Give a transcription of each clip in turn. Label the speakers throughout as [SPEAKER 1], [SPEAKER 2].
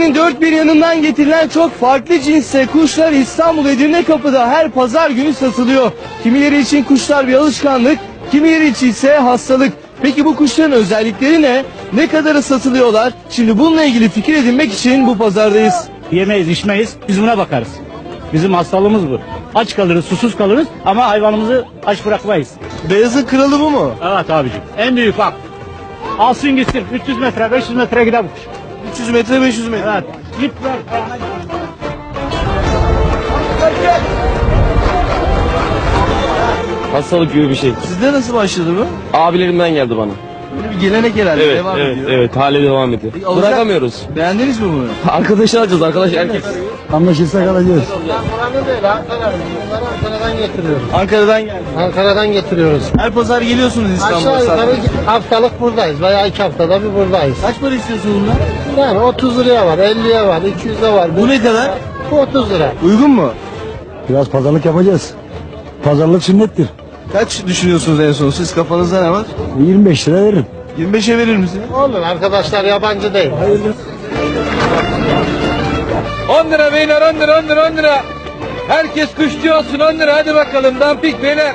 [SPEAKER 1] Türkiye'nin dört bir yanından getirilen çok farklı cinste kuşlar İstanbul Edirnekapı'da her pazar günü satılıyor. Kimileri için kuşlar bir alışkanlık, kimileri için ise hastalık. Peki bu kuşların özellikleri ne? Ne kadara satılıyorlar? Şimdi bununla ilgili fikir edinmek için bu pazardayız.
[SPEAKER 2] Yemeyiz, içmeyiz, biz buna bakarız. Bizim hastalığımız bu. Aç kalırız, susuz kalırız ama hayvanımızı aç bırakmayız.
[SPEAKER 1] Beyazın kralı bu mu?
[SPEAKER 2] Evet abicim, en büyük bak. Alsın gitsin, 300 metre, 500 metre gider bu kuş.
[SPEAKER 1] 300 metre 500 metre.
[SPEAKER 2] Evet, git ver.
[SPEAKER 3] Hastalık gibi bir şey.
[SPEAKER 1] Sizde nasıl başladı bu?
[SPEAKER 3] Abilerimden geldi bana.
[SPEAKER 1] Böyle bir gelenek herhalde
[SPEAKER 3] Evet,
[SPEAKER 1] devam
[SPEAKER 3] evet,
[SPEAKER 1] ediyor.
[SPEAKER 3] evet. Hala devam ediyor.
[SPEAKER 1] Alacak-
[SPEAKER 3] Bırakamıyoruz.
[SPEAKER 1] Beğendiniz mi bunu?
[SPEAKER 3] Arkadaşı alacağız, arkadaş erkek.
[SPEAKER 4] Anlaşırsak alacağız.
[SPEAKER 5] Buranın değil, Bunları Ankara'dan getiriyoruz.
[SPEAKER 1] Ankara'dan geldi.
[SPEAKER 5] Ankara'dan getiriyoruz.
[SPEAKER 1] Her pazar geliyorsunuz İstanbul'a.
[SPEAKER 5] Aşağı yukarı
[SPEAKER 1] satmaya.
[SPEAKER 5] haftalık buradayız veya 2 haftada bir buradayız.
[SPEAKER 1] Kaç para istiyorsunuz bunlar?
[SPEAKER 5] Yani 30 liraya var, 50'ye var, 200'e var.
[SPEAKER 1] Bu ne kadar?
[SPEAKER 5] Bu 30 lira.
[SPEAKER 1] Uygun mu?
[SPEAKER 4] Biraz pazarlık yapacağız. Pazarlık sünnettir.
[SPEAKER 1] Kaç düşünüyorsunuz en son? Siz kafanızda ne var?
[SPEAKER 4] 25 lira veririm.
[SPEAKER 1] 25'e verir misin?
[SPEAKER 5] Olur, arkadaşlar yabancı değil.
[SPEAKER 6] 10 lira beyler, 10 lira, 10 lira, 10 lira. Herkes kuşçu olsun, 10 lira, hadi bakalım, dampik beyler.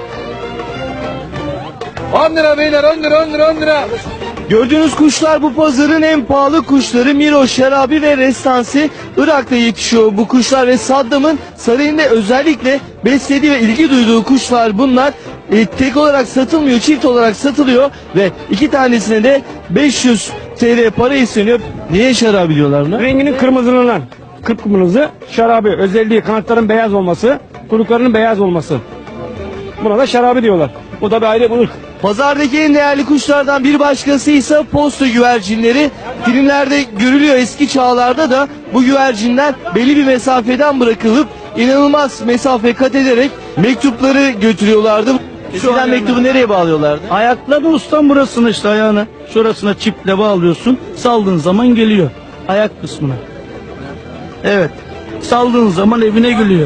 [SPEAKER 6] 10 lira beyler, 10 lira, 10 lira, 10 lira.
[SPEAKER 1] Gördüğünüz kuşlar bu pazarın en pahalı kuşları. Miro, Şarabi ve Restansi Irak'ta yetişiyor bu kuşlar ve Saddam'ın sarayında özellikle beslediği ve ilgi duyduğu kuşlar bunlar. Tek olarak satılmıyor, çift olarak satılıyor ve iki tanesine de 500 TL para isteniyor. Niye Şarabi diyorlar buna?
[SPEAKER 2] Renginin kırmızılığından. Kıpkırmızı, şarabi, özelliği kanatların beyaz olması, kuyruklarının beyaz olması. Buna da şarabi diyorlar. Bu da bir ayrı bir ırk.
[SPEAKER 1] Pazardaki en değerli kuşlardan bir başkası ise posta güvercinleri. Filmlerde görülüyor, eski çağlarda da bu güvercinler belli bir mesafeden bırakılıp inanılmaz mesafe kat ederek mektupları götürüyorlardı. Eskiden mektubu nereye bağlıyorlardı?
[SPEAKER 7] Ayakla da ustam burasını işte ayağını. Şurasına çiple bağlıyorsun. Saldığın zaman geliyor. Ayak kısmına. Evet. Saldığın zaman evine geliyor.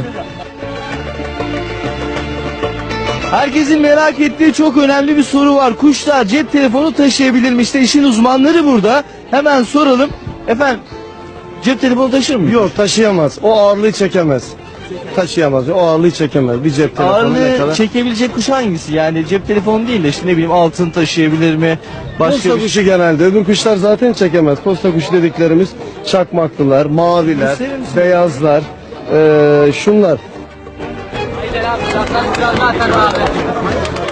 [SPEAKER 1] Herkesin merak ettiği çok önemli bir soru var. Kuşlar cep telefonu taşıyabilir mi? İşte işin uzmanları burada. Hemen soralım. Efendim cep telefonu taşır mı?
[SPEAKER 4] Yok, taşıyamaz. O ağırlığı çekemez. Taşıyamaz. O ağırlığı çekemez. Bir cep telefonu ne
[SPEAKER 1] Ağırlığı
[SPEAKER 4] kadar?
[SPEAKER 1] çekebilecek kuş hangisi? Yani cep telefonu değil de işte ne bileyim altın taşıyabilir mi? Başka
[SPEAKER 4] Posta
[SPEAKER 1] bir şey.
[SPEAKER 4] kuşu genelde. Öbür kuşlar zaten çekemez. Posta kuşu dediklerimiz çakmaklılar, maviler,
[SPEAKER 1] Gösterir misin?
[SPEAKER 4] beyazlar, şunlar.